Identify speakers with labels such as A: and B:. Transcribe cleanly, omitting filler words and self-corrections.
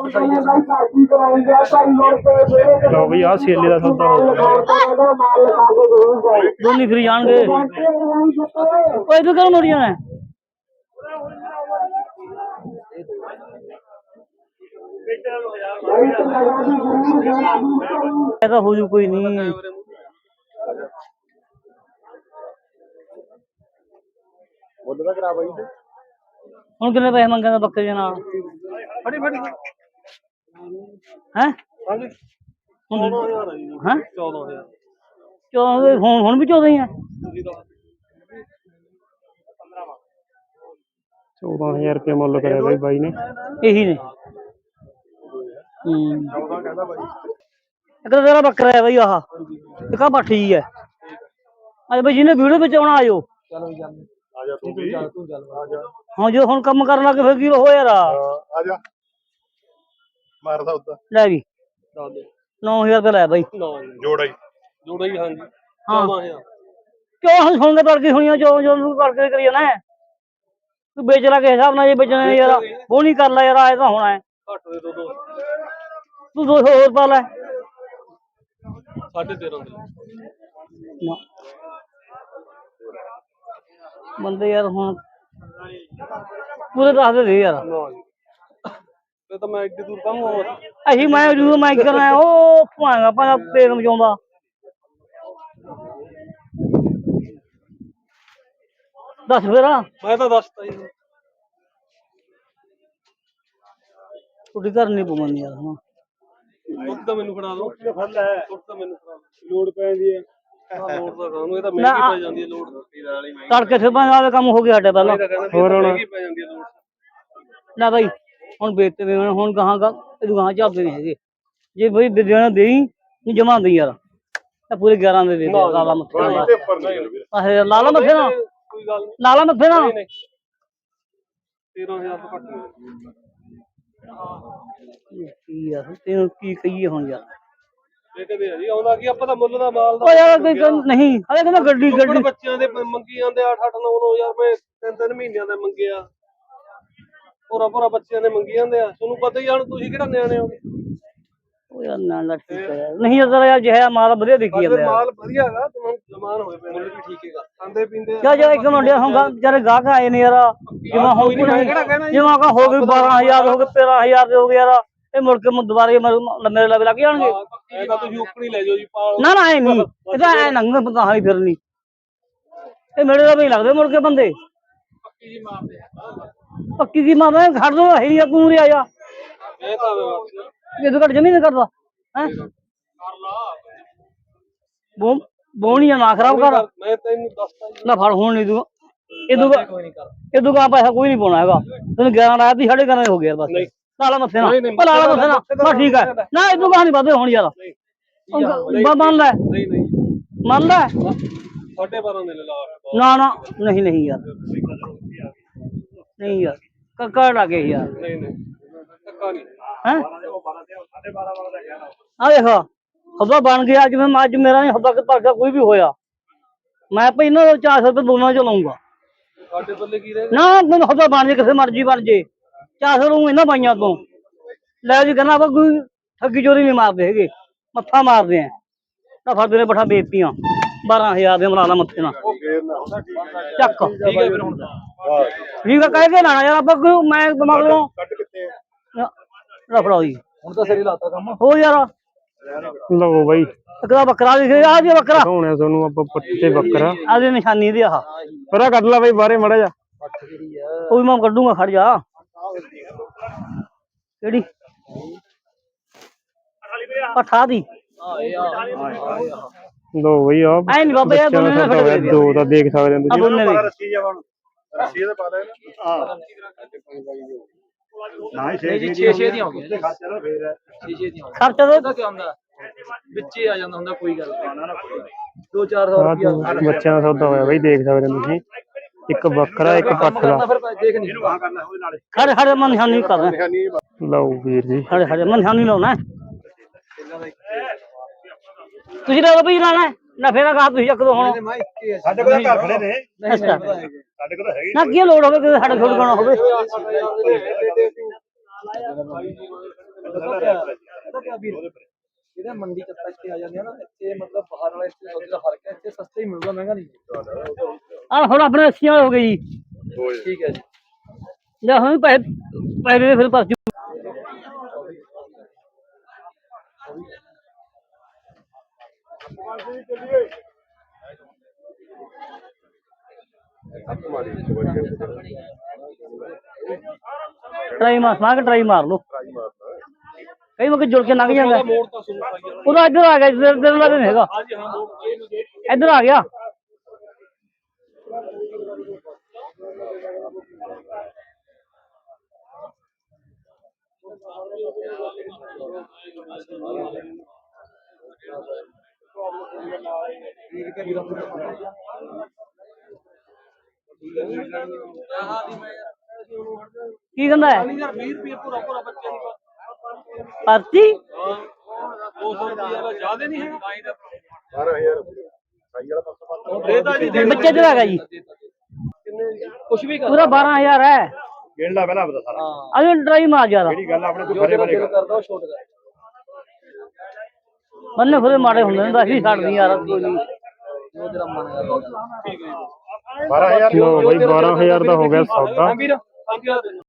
A: ਲਓ ਬਈ ਆ ਛੇਲੇ ਦਾ ਸੌਦਾ ਹੋ ਗਿਆ ਦੋਨੀ ਫਿਰ ਜਾਣਗੇ ਓਏ ਤੂੰ ਕਿਉਂ ਮੁੜ ਜਾਣਾ ऐसा हो जू कोई नहीं ਹੁਣ ਕਿੰਨੇ ਪੈਸੇ ਮੰਗਦਾ ਬੱਕਰੇ ਦੇ ਨਾਲ ਫੜੀ ਫੜੀ ਹੈ ਹਾਂਜੀ 14000 ਹੈ 14000 ਹੁਣ ਵੀ 14 ਹੀ ਹੈ 14000 रुपये मुल करे भाई भाई ने यही ने 14 कहता भाई एक तेरा बकरा है भाई आह एक पट्ठी है अरे भाई जिन्हें वीडियो में आना आयो चलो आजा तू भी आजा हां जो हुन काम करन लगे फिर की हो यार आजा मारदा उदा ले भी 9000 रुपये ले भाई जोड़ा ही हां जी 14000 क्यों हम सुन के तड़की सुनिया जो जो करके करिए ना तू बेच ला के हिसाब ना ये बेचना यार वो नहीं कर ला यार आए तो होना है घट दे दो तू 200 और पा ले 13.5 बंदे यार हुन पूरे दस दे यार ये तो मैं इतनी दूर कम हो अही मैं जो मैं करना है ओ भागा पा पेट मचाउंदा दस फिर मैं तो दसता ही छुट्टी करनी पवनी यार हां ਦੁੱਧ ਤਾਂ ਮੈਨੂੰ ਫੜਾ ਦੋ ਫੜ ਲੈ ਦੁੱਧ ਤਾਂ ਮੈਨੂੰ ਫੜਾ ਲੋੜ ਪੈਂਦੀ ਹੈ ਲੋੜ ਤਾਂ ਕਾਹਨੂੰ ਇਹ ਤਾਂ ਮਹਿੰਗੀ ਪੈ ਜਾਂਦੀ ਹੈ ਲੋੜ ਵਾਲੀ ਮਹਿੰਗੀ ਤੜਕੇ ਸਿੱਧਾ ਵਾਲੇ ਕੰਮ ਹੋ ਗਿਆ ਸਾਡੇ ਪਹਿਲਾਂ ਹੋਰ ਹੁਣ ਮਹਿੰਗੀ ਪੈ ਜਾਂਦੀ ਹੈ ਲੋੜ ਨਾ ਭਾਈ ਹੁਣ ਵੇਚਤੇ ਵੇ ਹੁਣ ਗਾਹਾਂ ਇਹ ਗਾਹਾਂ ਝਾਬੇ ਨਹੀਂ ਹੈਗੇ ਜੇ ਬਈ ਦੇਣਾ ਦੇਈ ਨਹੀਂ ਜਮਾਂਦੀ ਯਾਰ ਤਾਂ ਪੂਰੇ 11 ਦੇ ਦੇ ਲਾਲਾ ਮੱਥੇ ਆਹ ਲਾਲਾ ਮੱਥੇ ਨਾ ਕੋਈ ਗੱਲ ਨਹੀਂ ਲਾਲਾ ਮੱਥੇ ਨਾ 13000 ਤੋਂ ਘੱਟ ਨਹੀਂ ਯਾਰ ਤੈਨੂੰ ਕੀ ਕਹੀਏ ਹੁਣ ਯਾਰ ਇਹ ਕਦੇ ਜੀ ਆਉਂਦਾ ਕੀ ਆਪਾਂ ਤਾਂ ਮੁੱਲ ਦਾ ਮਾਲ ਦਾ ਓ ਯਾਰ ਕੋਈ ਨਹੀਂ ਹਲੇ ਕਹਿੰਦਾ ਗੱਡੀ ਬੱਚਿਆਂ ਦੇ ਮੰਗੀ ਜਾਂਦੇ 8-8 9-9000 ਰੁਪਏ 3-3 ਮਹੀਨਿਆਂ ਦੇ ਮੰਗੇ ਆ ਪੂਰਾ ਬੱਚਿਆਂ ਦੇ ਮੰਗੀ ਜਾਂਦੇ ਆ ਤੁਹਾਨੂੰ ਪਤਾ ਹੀ ਆ ਤੁਸੀਂ ਕਿਹੜਾ ਨਿਆਣੇ ਹੋ ਓ ਯਾਰ ਨਾ ਠੀਕ ਹੈ ਨਹੀਂ ਜਰਾ ਯਾਰ ਜਿਹੜਾ ਮਾਲ ਵਧੀਆ ਵਿਕੀ ਜਾਂਦਾ ਮਾਲ ਵਧੀਆ ਹੈਗਾ ਤੁਹਾਨੂੰ ਜ਼ਮਾਨ ਹੋਏ ਪਏ ਮੁੱਲ ਵੀ ਠੀਕ ਹੈਗਾ ਖਾਂਦੇ ਪੀਂਦੇ ਜਾ ਇੱਕ ਮੁੰਡਿਆ ਹੋਗਾ ਵਿਚਾਰੇ ਗਾਹਕ ਆਏ ਨੇ ਯਾਰ ਜਿਵੇਂ ਹੋ ਗਈ ਜਿਵੇਂ ਕਾ ਹੋ ਗਈ 12000 ਹੋ ਗਏ 13000 ਦੇ ਹੋ ਗਏ ਯਾਰ ਇਹ ਮੁੜ ਕੇ ਦੁਬਾਰੇ ਮੇਰੇ ਲਵੇ ਲੱਗ ਜਾਣਗੇ ਇਹ ਤਾਂ ਤੁਸੀਂ ਉੱਪਰ ਲੈ ਜਾਓ ਜੀ ਨਾ ਨਾ ਐ ਨਹੀਂ ਇਹ ਤਾਂ ਐ ਨੰਗ ਪਤਾ ਹਾਈ ਫਿਰਨੀ ਇਹ ਮੇਰੇ ਦਾ ਵੀ ਲੱਗਦੇ ਮੁੜ ਕੇ ਬੰਦੇ ਪੱਕੀ ਜੀ ਮਾਰਦੇ ਪੱਕੀ ਕੀ ਮਾਰਦਾ ਖੜ ਦੋ ਹੈ ਨਹੀਂ ਤੂੰ ਰਿਆ ਜਾ ਇਹ ਤਾਂ ਇਹ ਤਾਂ ਘੱਟ ਜਮੀਨ ਕਰਦਾ ਹੈ ਕਰ ਲਾ ਬੋਣੀਆਂ ਨਾ ਖਰਾਬ ਕਰ ਮੈਂ ਤੈਨੂੰ ਦੱਸਦਾ ਨਾ ਫੜ ਹੁਣ ਨਹੀਂ ਦੂੰ ਇਹ ਦੁਕਾਨ ਪੈਸਾ ਕੋਈ ਨਹੀਂ ਪਾਉਣਾ ਹੈਗਾ ਤੈਨੂੰ 11 ਲਾਇਆ ਤੀ 11.5 ਹੋ ਗਿਆ ਬਸ ਲਾਲਾ ਮੱਥੇ ਨਾ ਲਾਲਾ ਮੱਥੇ ਨਾ ਬਸ ਠੀਕ ਹੈ ਨਾ ਇਹ ਦੁਕਾਨ ਨਹੀਂ ਵਧੇ ਹੁਣ ਯਾਰ ਮੰਨ ਲੈ ਮੰਨ ਲੈ 12.5 ਦੇ ਲਾ ਨਾ ਨਾ ਨਹੀਂ ਨਹੀਂ ਯਾਰ ਨਹੀਂ ਯਾਰ ਕੱਕਾ ਲੱਗੇ ਯਾਰ ਨਹੀਂ ਨਹੀਂ ਕੱਕਾ ਨਹੀਂ ਹੈ ਆ ਦੇਖੋ ਹੱਦਾ ਬਣ ਗਿਆ ਜਿਵੇਂ ਅੱਜ ਮੇਰਾ ਨਹੀਂ ਹੱਦਾ ਕਿ ਤੁਹਾਡਾ ਕੋਈ ਵੀ ਹੋਇਆ ਮੈਂ ਭਾਈ ਇਹਨਾਂ 400 ਰੁਪਏ ਦੋਨਾਂ ਚ ਲਾਉਂਗਾ ਸਾਡੇ ਬੱਲੇ ਕੀ ਰਹੇ ਨਾ ਮੈਨੂੰ ਹੱਦਾ ਬਣ ਜੇ ਕਿਸੇ ਮਰਜ਼ੀ ਬਣ ਜੇ 400 ਨੂੰ ਇਹਨਾਂ ਪਾਈਆਂ ਤੋਂ ਲੈ ਜੀ ਕਹਿੰਦਾ ਆਪਾਂ ਕੋਈ ਠੱਗੀ ਚੋਰੀ ਨਹੀਂ ਮਾਰਦੇ ਹੈਗੇ ਮੱਥਾ ਮਾਰਦੇ ਆ ਤਾਂ ਫਰਦੇ ਨੇ ਬਠਾ ਵੇਚਤੀਆਂ 12000 ਦੇ ਮਲਾ ਲਾ ਮੱਥੇ ਨਾਲ ਚੱਕ ਠੀਕ ਹੈ ਫਿਰ ਹੁਣ ਠੀਕ ਹੈ ਕਹਿ ਕੇ ਲਾਣਾ ਯਾਰ ਆਪਾਂ ਮੈਂ ਦਿਮਾਗ ਲਓ ਰਫੜਾ ਜੀ ਹੁਣ ਤਾਂ ਸਿਰੇ ਲਾਤਾ ਕੰਮ ਹੋ ਯਾਰ ਲਓ ਬਾਈ ਇੱਕ ਬੱਕਰਾ ਦਿਖੇ ਆ ਜੀ ਬੱਕਰਾ ਹੋਣਾ ਤੁਹਾਨੂੰ ਆਪਾਂ ਪੱਟੇ ਬੱਕਰਾ ਆਦੀ ਨਿਸ਼ਾਨੀ ਦੀ ਆਹ ਪਰਾ ਕੱਢ ਲਾ ਬਾਈ ਬਾਹਰੇ ਮੜਾ ਜਾ ਉਹ ਮੈਂ ਕੱਢੂਗਾ ਖੜ ਜਾ ਕਿਹੜੀ ਪਠਾ ਦੀ ਲੋ ਬਈ ਆ ਐ ਨਹੀਂ ਬਾਬਾ ਯਾਰ ਦੋ ਤਾਂ ਦੇਖ ਸਕਦੇ ਹੋ ਤੁਸੀਂ ਰੱਸੀ ਜਾ ਹੁਣ ਰੱਸੀ ਤੇ ਪਾ ਦੇ ਨਾ 6 ਦੀਆਂ ਹੋ ਗਈਆਂ ਖਰਚਾ ਫੇਰ 6 ਦੀਆਂ ਖਰਚਾ ਤਾਂ ਕੀ ਹੁੰਦਾ ਵਿੱਚੇ ਆ ਜਾਂਦਾ ਹੁੰਦਾ ਕੋਈ ਗੱਲ 2-400 ਰੁਪਿਆ ਬੱਚਿਆਂ ਦਾ ਸੌਦਾ ਹੋਇਆ ਬਈ ਦੇਖ ਸਕਦੇ ਹੋ ਤੁਸੀਂ ਇੱਕ ਬੱਕਰਾ ਇੱਕ ਪੱਠ ਦਾ ਖੜ ਖੜ ਮੈਂ ਨਿਸ਼ਾਨੀ ਕਰਦਾ ਲਓ ਵੀਰ ਜੀ ਖੜ ਖੜ ਮੈਂ ਨਿਸ਼ਾਨੀ ਲਾਉਣਾ ਤੁਸੀਂ ਤਾਂ ਬਈ ਲਾਣਾ ਨਾ ਫੇਰਾ ਕਹਾ ਤੁਸੀਂ ਚੱਕ ਦੋ ਹੁਣ ਸਾਡੇ ਕੋਲ ਘਰ ਖੜੇ ਨੇ ਸਾਡੇ ਕੋਲ ਹੈਗੀ ਨਾ ਕੀ ਲੋੜ ਹੋਵੇ ਕਿ ਸਾਡੇ ਕੋਲ ਗਾਣਾ ਹੋਵੇ
B: ਇਹਦਾ ਮੰਡੀ ਚ ਇੱਥੇ ਆ ਜਾਂਦੇ ਆ ਨਾ ਇੱਥੇ ਮਤਲਬ ਬਾਹਰ ਵਾਲੇ ਇੱਥੇ ਸੌਦੇ ਦਾ ਫਰਕ ਹੈ ਇੱਥੇ ਸਸਤੇ ਹੀ ਮਿਲੂਗਾ ਮਹਿੰਗਾ ਨਹੀਂ
A: ਆ ਹੁਣ ਆਪਣੇ 80 ਵਾਲੇ ਹੋ ਗਏ ਜੀ
B: ਠੀਕ ਹੈ ਜੀ
A: ਲੈ ਹੁਣ ਪੈਸੇ ਪੈਸੇ ਫਿਰ ਪਾਸ ਟਰਾਈ ਮਾਰ ਲੋ ਕਈ ਵਾਰ ਜੁੜ ਕੇ ਲੰਘ ਜਾਂਦਾ ਉਹਦਾ ਇੱਧਰ ਆ ਗਿਆ ਇੱਧਰ ਲੱਗ ਨਹੀਂ ਹੈਗਾ ਇੱਧਰ ਆ ਗਿਆ ਕੀ ਕਹਿੰਦਾ ਹੈ
B: 20 ਰੁਪਏ ਪੂਰਾ ਪੂਰਾ ਬੱਚੇ ਦੀ
A: ਪਰਚੀ
B: 200 ਰੁਪਏ ਜ਼ਿਆਦਾ ਨਹੀਂ ਹੈ
C: 12000
A: ਬੱਚੇ ਤੇ ਆ ਗਿਆ ਜੀ
B: ਕੁਝ ਵੀ
A: ਪੂਰਾ 12000 ਹੈ
C: ਗਿਣ ਲਾ ਪਹਿਲਾਂ ਬਤਾ ਸਾਰਾ
A: ਅਜੇ ਟਰਾਈ ਮਾਰ ਜਿਆਦਾ
C: ਜਿਹੜੀ ਗੱਲ ਆਪਣੇ
B: ਜੋ ਤੇਰਾ ਦਿਲ ਕਰਦਾ ਉਹ ਛੋਟ ਕਰ
A: ਬੰਨੇ ਫਰੇ ਮਾੜੇ ਹੁੰਦੇ ਨੇ ਤਾਂ ਅਸੀਂ ਛੱਡਦੀ ਯਾਰ ਕੋਈ ਨਹੀਂ
B: ਜੋ ਤੇਰਾ ਮਨ ਕਰਦਾ ਠੀਕ ਹੈ
C: 12000
D: ਲੋ ਬਾਈ 12000 ਦਾ ਹੋ ਗਿਆ ਸੌਦਾ
B: ਵੀਰ